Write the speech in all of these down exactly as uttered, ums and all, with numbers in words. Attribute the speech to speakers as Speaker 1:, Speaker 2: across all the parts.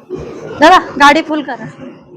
Speaker 1: दादा गाडी फुल करा.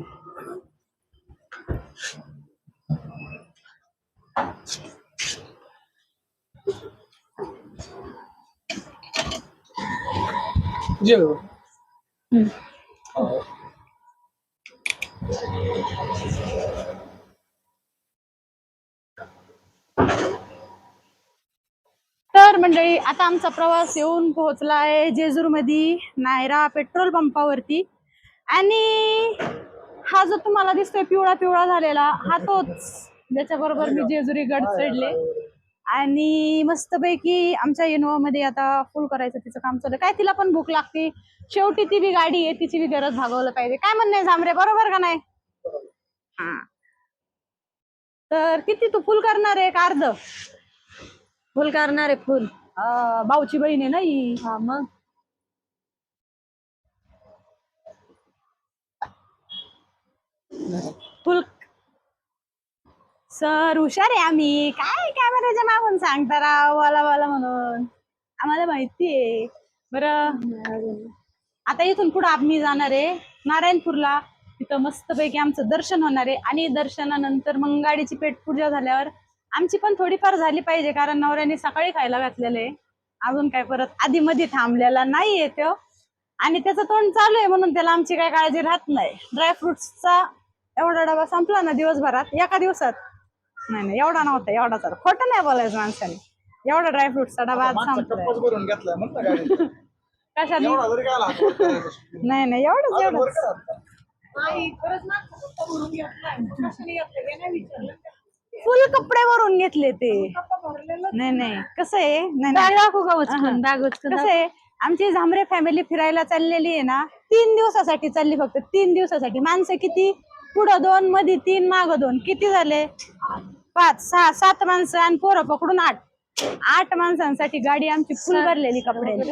Speaker 1: तर मंडळी आता आमचा प्रवास येऊन पोहोचला आहे जेजूर मध्ये नायरा पेट्रोल पंपावरती. आणि हा जो तुम्हाला दिसतोय पिवळा पिवळा झालेला हा तोच ज्याच्या बरोबर मी जेजुरी गड चढले. आणि मस्तपैकी आमच्या इनोवा मध्ये आता फुल करायचं तिचं काम चालू. काय तिला पण भूक लागते शेवटी, ती बी गाडी आहे तिची बी गरज भागवलं पाहिजे. काय म्हणणं आहे झांबरे, बरोबर का नाही? हा तर किती तू फुल करणार आहे का अर्ध?
Speaker 2: फुल करणार आहे फुल.
Speaker 1: भाऊची बहीण आहे ना ही.
Speaker 2: हा मग
Speaker 1: फुल सर हुशार आहे आम्ही. काय कॅमेऱ्याच्या मागून सांगता राव वाला वाला म्हणून, आम्हाला माहितीये. बरं आता इथून पुढे आम्ही जाणार आहे नारायणपूरला. तिथं मस्तपैकी आमचं दर्शन होणार आहे. आणि दर्शनानंतर मग गाडीची पेट पूजा झाल्यावर आमची पण थोडीफार झाली पाहिजे, कारण नवऱ्याने सकाळी खायला घातलेलं आहे. अजून काय परत आधी मध्ये थांबलेला नाहीये तो. आणि त्याचं तोंड चालू आहे म्हणून त्याला आमची काय काळजी राहत नाही. ड्रायफ्रुट्सचा एवढा डबा संपला ना दिवसभरात, एका दिवसात. नाही नाही एवढा नव्हता, एवढा तर खोटं नाही बोलायचं माणसाने. एवढा ड्रायफ्रुट्सचा डबा आज संपला. कशाने? नाही नाही एवढंच एवढंच. फुल कपडे भरून घेतले ते. नाही नाही कसं आहे, नाही
Speaker 2: दाखवू का उचलून? बॅग उचलून
Speaker 1: कसं आहे, आमची झांबरे फॅमिली फिरायला चाललेली आहे ना, तीन दिवसासाठी चालली, फक्त तीन दिवसासाठी. माणसं किती? पुढं दोन, मध्ये तीन, माग दोन, किती झाले? पाच, सहा, सात माणसं आणि पोरं पकडून आठ. आठ माणसांसाठी गाडी आमची फुल भरलेली कपड्यांची.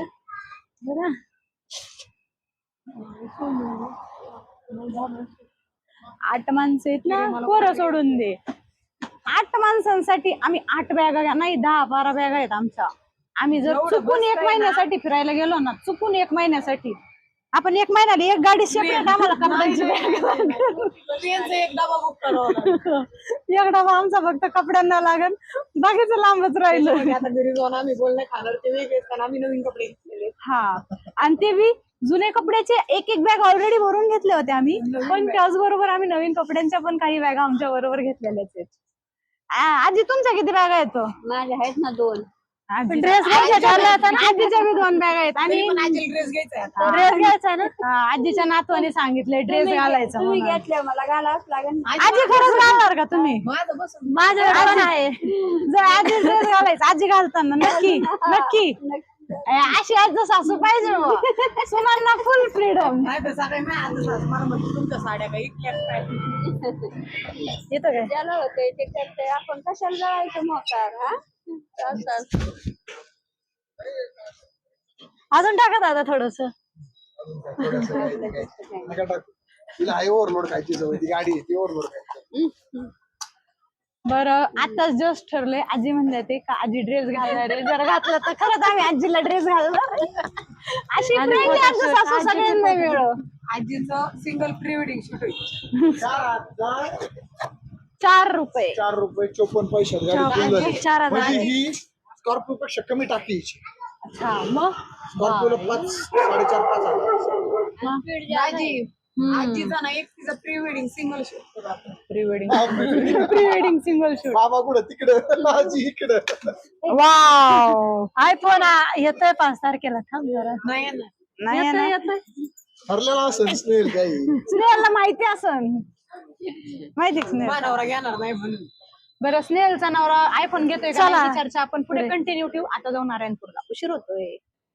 Speaker 1: आठ माणसं आहेत ना, पोरं सोडून दे. आठ माणसांसाठी आम्ही आठ बॅगा, नाही दहा बारा बॅगा आहेत आमच्या. आम्ही जर चुकून एक महिन्यासाठी फिरायला गेलो ना, चुकून एक महिन्यासाठी, आपण एक महिन्याला एक गाडी सेपरेट आम्हाला कपड्यांची एक डबा बुक करावा. एक डबा आमचा फक्त कपड्यांना लागेल, बाकीचं लांबच राहिलं. आता घरी जाऊन आम्ही बोलणे खाणार ते वेगळे, आम्ही नवीन कपडे घेतलेले. हा आणि ते बी जुने कपड्याचे एक एक बॅग ऑलरेडी भरून घेतले होते आम्ही, पण त्याचबरोबर आम्ही नवीन कपड्यांच्या पण काही बॅगा आमच्या बरोबर घेतलेल्याच आहेत. आजी तुमच्या किती बॅगा आहेत?
Speaker 2: माझ्या आहेत ना दोन.
Speaker 1: ड्रेस आजीच्या बी दोन बॅग आहेत. आणि ड्रेस घ्यायचा ड्रेस घ्यायचा ना, आजीच्या नातवाने सांगितले ड्रेस घालायचा.
Speaker 2: तुम्ही घेतल्या मला घालावंच लागेल.
Speaker 1: आजी खरंच घालणार का तुम्ही?
Speaker 2: माझं पण आहे.
Speaker 1: जर आजी ड्रेस घालायचा, आजी घालताना नक्की नक्की. अशी आज सासू पाहिजे मग, सुनांना फुल फ्रीडम. तुमच्या साड्या काही येतो काय?
Speaker 2: ज्याला होते ते करते, आपण कशाला जायचं मोकार? हा
Speaker 1: अजून टाका दादा थोडस. बरं आताच जस्ट ठरलंय, आजी म्हणले ते का आजी ड्रेस घालणार आहे, जर घातलं तर खरंच आम्ही आजीला ड्रेस घालणार. अशी सासू सगळ्यांना मिळव.
Speaker 3: आजीचं सिंगल प्री वेडिंग शूट होईल.
Speaker 1: चार रुपये
Speaker 4: चार रुपये चोपन्न पैसे
Speaker 1: चार हजार.
Speaker 4: ही स्कॉर्पिओ पेक्षा कमी टाकीची.
Speaker 1: अच्छा मग
Speaker 4: स्कॉर्पिओला पाच साडेचार पाच हजार.
Speaker 3: आजी आजीचा ना एक तिचा pre wedding single shoot.
Speaker 1: Pre wedding pre wedding single shoot.
Speaker 4: बाबा कुठं तिकडं, आजी इकडं.
Speaker 1: वाव
Speaker 2: आयफोन येतोय पाच तारखेला. थांब जरा.
Speaker 3: नाही
Speaker 1: नाही
Speaker 2: येतोय.
Speaker 4: ठरलेला असेल स्नेल काही.
Speaker 1: स्नेहलला माहिती असन, माहिती स्नेहल.
Speaker 3: नवरा घेणार नाही म्हणून.
Speaker 1: बरं स्नेहलचा नवरा आयफोन घेतोय का नाही चर्चा आपण पुढे कंटिन्यू ठेवू. आता जाऊ नारायणपूरला, उशीर होतोय.